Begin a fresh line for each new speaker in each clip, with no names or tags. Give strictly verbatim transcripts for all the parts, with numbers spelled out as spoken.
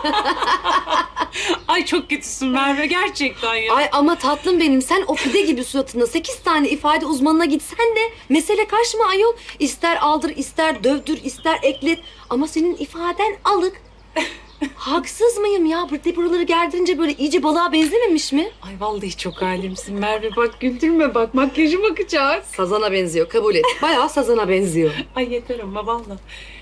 Ay çok kötüsün Merve gerçekten ya.
Ay ama tatlım benim, sen o pide gibi suratında sekiz tane ifade uzmanına gitsen de mesele karşıma ayol. İster aldır, ister dövdür, ister eklet. Ama senin ifaden alık. Haksız mıyım ya? Burada buraları gerdirince böyle iyice balığa benzememiş mi?
Ay vallahi çok halimsin Merve, bak güldürme bak, makyajım akacak.
Sazana benziyor, kabul et. Bayağı sazana benziyor.
Ay yeter ama vallahi.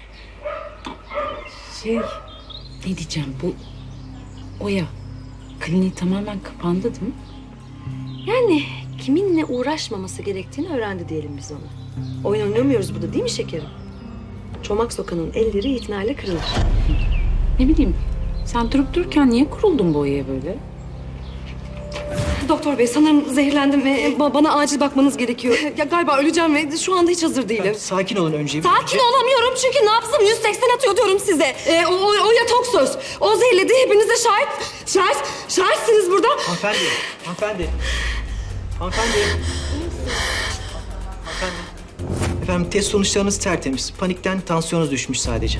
Şey, ne diyeceğim, bu Oya kliniği tamamen kapandı değil mi?
Yani kiminle uğraşmaması gerektiğini öğrendi diyelim biz ona. Oyun oynamıyoruz burada değil mi şekerim? Çomak sokanın elleri itinayla kırılır.
Ne bileyim, sen durup dururken niye kuruldun bu Oya'ya böyle?
Doktor bey sanırım zehirlendim ve ba- bana acil bakmanız gerekiyor. Ya galiba öleceğim ve şu anda hiç hazır değilim.
Sakin olun önce.
Sakin olamıyorum çünkü nabzım yüz seksen atıyor diyorum size. Ee, o, o, o yatok söz. O zehirledi, hepinize şahit. Şahit, şahitsiniz burada.
Hanımefendi, hanımefendi. Hanımefendi. Hanımefendi. Efendim test sonuçlarınız tertemiz. Panikten tansiyonunuz düşmüş sadece.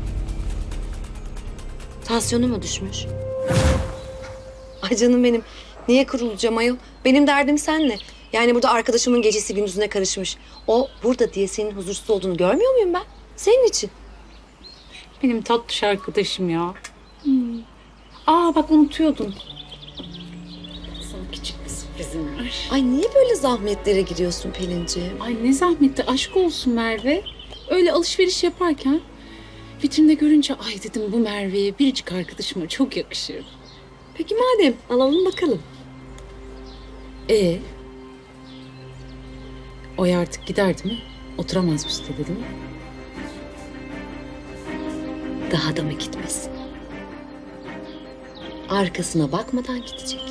Tansiyonu mu düşmüş? Ay canım benim. Niye kurulacağım ayol? Benim derdim senle. Yani burada arkadaşımın gecesi gündüzüne karışmış. O burada diye senin huzursuz olduğunu görmüyor muyum ben? Senin için.
Benim tatlış arkadaşım ya. Hmm. Aa bak unutuyordun. Sana küçük bir sürprizim var.
Ay niye böyle zahmetlere giriyorsun Pelinciğim?
Ay ne zahmetti, aşk olsun Merve. Öyle alışveriş yaparken vitrinde görünce ay dedim bu Merve'ye biricik arkadaşıma çok yakışır.
Peki madem alalım bakalım.
Ee? Oya artık gider değil mi? Oturamaz bu sitede değil mi?
Daha da mı gitmesin? Arkasına bakmadan gidecek.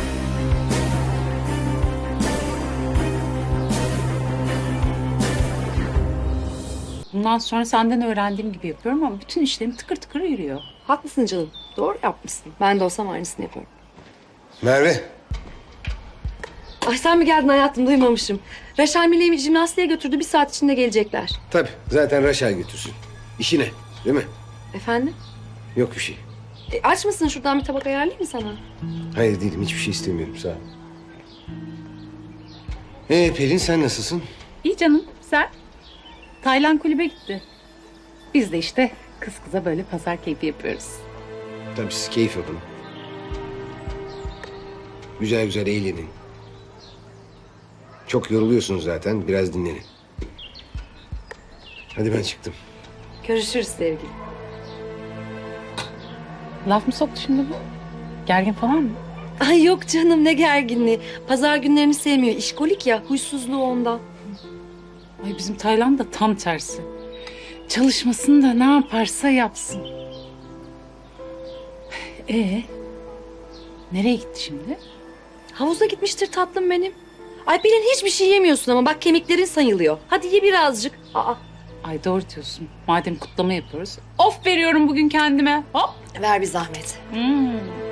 Bundan sonra senden öğrendiğim gibi yapıyorum ama bütün işlerim tıkır tıkır yürüyor.
Haklısın canım. Doğru yapmışsın. Ben de olsam aynısını yaparım.
Merve,
Ay sen mi geldin hayatım? Duymamışım. Reşal Millet'i jimnastiğe götürdü. Bir saat içinde gelecekler.
tabii zaten Raşel götürsün. İşi ne, değil mi?
Efendim?
Yok bir şey.
E, aç mısın? Şuradan bir tabak ayarlayayım mı sana?
Hayır değilim, hiçbir şey istemiyorum, sağ ol. Ee Pelin, sen nasılsın?
İyi canım, sen? Taylan kulübe gitti. Biz de işte kız kıza böyle pazar keyfi yapıyoruz.
Tabii siz keyif yapın. Güzel güzel eğlenin. Çok yoruluyorsunuz zaten, biraz dinlenin. Hadi ben çıktım.
Görüşürüz sevgilim.
Laf mı soktu şimdi bu? Gergin falan mı?
Ay yok canım ne gerginliği. Pazar günlerini sevmiyor. İşkolik ya. Huysuzluğu ondan.
Ay bizim Taylan da tam tersi. Çalışmasın da ne yaparsa yapsın. Ee, nereye gitti şimdi?
Havuza gitmiştir tatlım benim. Ay Pelin hiçbir şey yemiyorsun ama bak kemiklerin sayılıyor. Hadi ye birazcık. Aa,
Ay doğru diyorsun. Madem kutlama yapıyoruz. Of veriyorum bugün kendime. Hop.
ver bir zahmet.
Hmm.